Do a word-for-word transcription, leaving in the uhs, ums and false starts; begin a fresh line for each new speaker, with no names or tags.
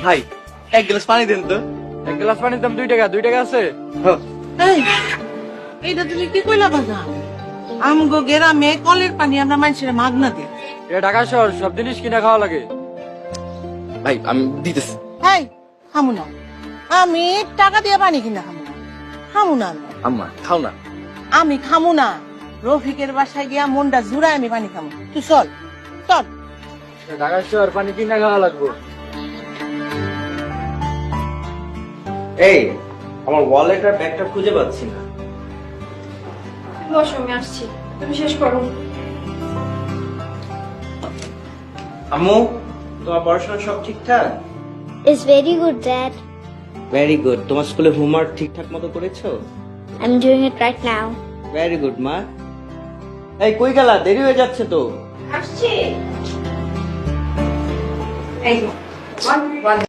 ভাই এক গ্লাস পানি দেন তো।
এক গ্লাস পানির দাম দুই টাকা দুই টাকা আছে।
এই এইটা তুমি কি কইলা বাজা? আমগো গেরামে কলের পানি আমরা মানুষের মাগনা দিই।
এটা ঢাকা শহর, সব জিনিস কিনা খাওয়া লাগে।
ভাই আমি দিতেছি।
এই খামু না, আমি টাকা দিয়ে পানি কিনা খামু না, খামু না আমি।
আম্মা খাও না।
আমি খামু না, রফিকের বাসায় গিয়া মনটা জুড়ায় আমি পানি খামু। তুই চল চল।
এটা ঢাকা শহর, পানি কিনা খাওয়া লাগবে।
এই আমার ওয়ালেট আর ব্যাগটা খুঁজে পাচ্ছি না।
বসো, আমি আসছি, তুমি শেষ করো।
আম্মু তোমার পড়াশোনা সব ঠিকঠাক?
It's very good, Dad.
Very good. তোমার স্কুলে হোমওয়ার্ক ঠিকঠাক মতো করেছো?
I'm doing it right now.
Very good মা। এই কই গেলা? দেরি হয়ে যাচ্ছে তো।
আসছি। এই তো, one, one.